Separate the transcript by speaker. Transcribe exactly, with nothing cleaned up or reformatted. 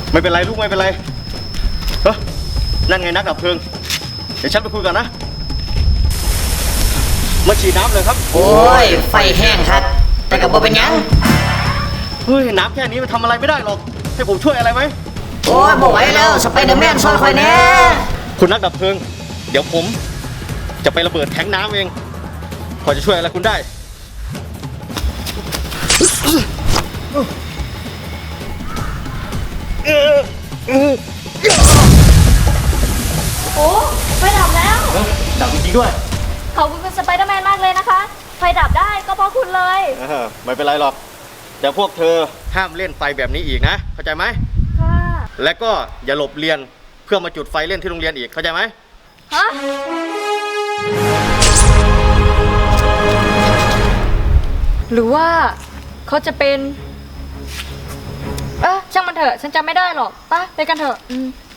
Speaker 1: ไม่เป็นไรลูกไม่เป็นไรเฮ้ยนั่นไงนักดับเพลิงเดี๋ยวฉันไปคุยกันนะมาฉีดน้ำเลยครับ
Speaker 2: โอ้ยไฟแห้งครับแต่กับบ่เป็นยัง
Speaker 1: เฮ้ยน้ำแค่นี้มันทำอะไรไม่ได้หรอกให้ผมช่วยอะไรไหม
Speaker 2: โอ้ยบ่ไหวแล้วสไปเดอร์แมนซอยคอยแน่
Speaker 1: คุณนักดับเพลิงเดี๋ยวผมจะไประเบิดแทงน้ำเองพอจะช่วยอะไรคุณได้
Speaker 3: โอ้ไฟดับแล้ว
Speaker 1: ดับจริงๆด้วย
Speaker 3: ขอบคุณคุณสไปเดอร์แมนมากเลยนะคะไฟดับได้ก็เพราะคุณเลย
Speaker 1: ไม่เป็นไรหรอกแต่พวกเธอห้ามเล่นไฟแบบนี้อีกนะเข้าใจไหม
Speaker 3: ค่ะ
Speaker 1: และก็อย่าหลบเรียนเพื่อมาจุดไฟเล่นที่โรงเรียนอีกเข้าใจไหม
Speaker 3: ฮะหรือว่าเขาจะเป็นเออช่างมันเถอะฉันจำไม่ได้หรอกไปไปกันเถอะ